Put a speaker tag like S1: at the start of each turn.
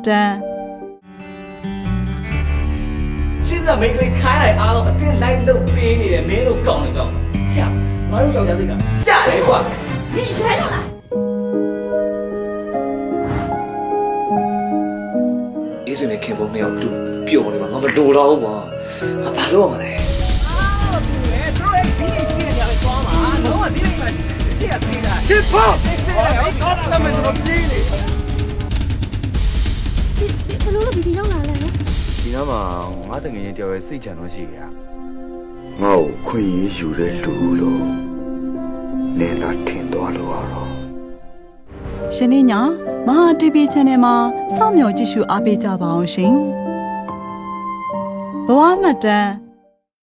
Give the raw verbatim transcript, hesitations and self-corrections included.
S1: တန်
S2: ရှင်းကမိတ်ကလေးခိုင်းလိုက်အားလုံးအတင်းလိုက်လုတ်ပေးနေတယ်မင်းတို့ကောင်းနေတော့ဟဲ့ငါတို့ယောက်ျားသိကကြားတယ်ကွာ
S3: 你谁弄的？
S2: အေးစွနဲ့ခင်ပုံနှစ်ယောက်တူပျော်နေမှာငါမလိုတော့ဘူးကွာငါဘာလို့မလဲအာသူလေတို့ရဲ့ဒီရှင်းနေရတယ်ကွာမှာတော့ဒီလိမ့်မှာကြည့်ရသေးတာဒီပေါ့ဟောတော့မင်းတို့ပြေးနေ
S3: 你你ဘလို့လို့ဒီဒီရောက်လာလဲနော်
S4: ဒီနားမှာငါတငယ်ချင်းတယောက်ရဲ့စိတ်ချမ်းတော့ရှိရ
S5: ငါ့ကိုခွင့်ရယူတဲ့လူလို့နင်လာထင်သွားလို့ရတော့
S1: ရှင်နေညာမဟာ တီ ဗီ Channel မှာစောင့်မျှော်ကြည့်ရှုအားပေးကြပါအောင်ရှင်ဘဝမှတ်တမ်း